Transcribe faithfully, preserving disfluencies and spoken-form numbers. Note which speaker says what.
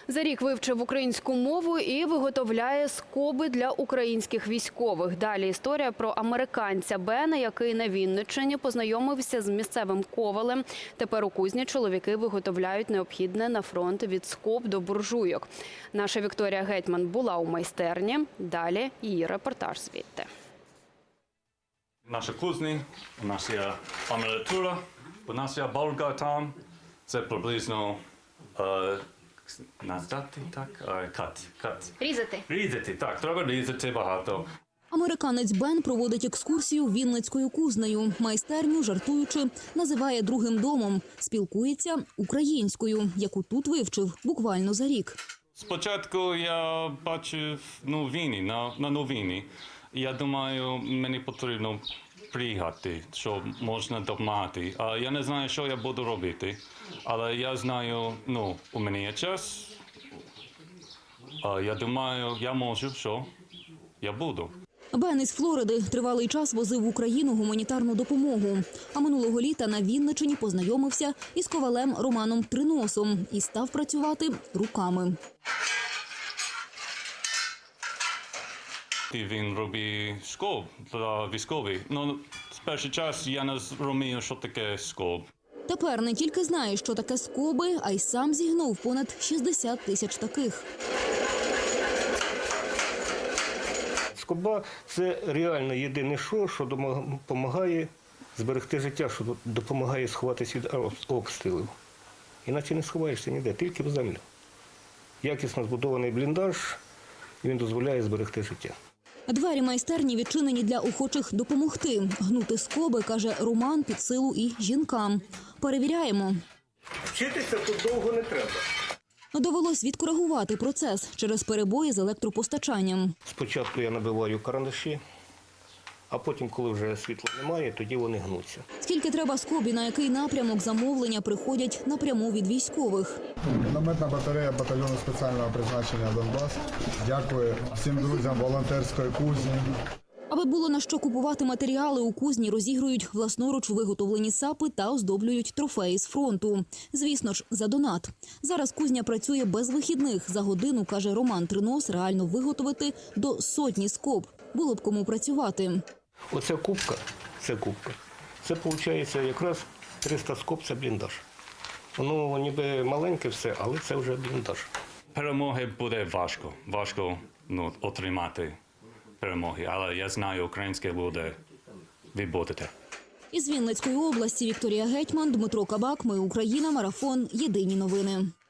Speaker 1: За рік вивчив українську мову і виготовляє скоби для українських військових. Далі історія про американця Бена, який на Вінниччині познайомився з місцевим ковалем. Тепер у кузні чоловіки виготовляють необхідне на фронт від скоб до буржуйок. Наша Вікторія Гетьман була у майстерні. Далі її репортаж звідти.
Speaker 2: Наша кузня, у нас є амелітура, у нас є болга там. Це приблизно е, наздати, так? Е, кат, кат.
Speaker 1: Різати.
Speaker 2: Різати, так, треба різати багато.
Speaker 3: Американець Бен проводить екскурсію Вінницькою кузнею. Майстерню, жартуючи, називає другим домом. Спілкується українською, яку тут вивчив буквально за рік.
Speaker 2: Спочатку я бачив новини, на, на новини. Я думаю, мені потрібно приїхати, що можна допомагати. А я не знаю, що я буду робити, але я знаю, ну, у мене є час. А я думаю, я можу, що я буду.
Speaker 3: Бен із Флориди тривалий час возив в Україну гуманітарну допомогу. А минулого літа на Вінниччині познайомився із ковалем Романом Триносом і став працювати руками.
Speaker 2: Він робить скоб для військових. Ну, з перший час я не розумію, що таке скоб.
Speaker 3: Тепер не тільки знає, що таке скоби, а й сам зігнув понад шістдесят тисяч таких.
Speaker 4: Скоба – це реально єдине що, що допомагає зберегти життя, що допомагає сховатися від обстрілів. Іначе не сховаєшся ніде, тільки в землю. Якісно збудований бліндаж, і він дозволяє зберегти життя.
Speaker 3: Двері майстерні відчинені для охочих допомогти. Гнути скоби, каже Роман, під силу і жінкам. Перевіряємо.
Speaker 4: Вчитися тут довго не треба.
Speaker 3: Довелось відкоригувати процес через перебої з електропостачанням.
Speaker 4: Спочатку я набиваю карандаші, а потім, коли вже світла немає, тоді вони гнуться.
Speaker 3: Скільки треба скоб і на який напрямок замовлення приходять напряму від військових.
Speaker 5: Мінометна батарея батальйону спеціального призначення «Донбас». Дякую всім друзям волонтерської кузні.
Speaker 3: Аби було на що купувати матеріали, у кузні розігрують власноруч виготовлені сапи та оздоблюють трофеї з фронту. Звісно ж, за донат. Зараз кузня працює без вихідних. За годину, каже Роман Тринос, реально виготовити до сотні скоб. Було б кому працювати.
Speaker 4: Оця кубка, це кубка. Це, виходить, якраз триста скоб – це бліндаж. Воно ніби маленьке все, але це вже бліндаж.
Speaker 2: Перемоги буде важко, важко ну, отримати перемоги, але я знаю, українське люди відбудете.
Speaker 3: Із Вінницької області Вікторія Гетьман, Дмитро Кабак. Ми Україна. Марафон. Єдині новини.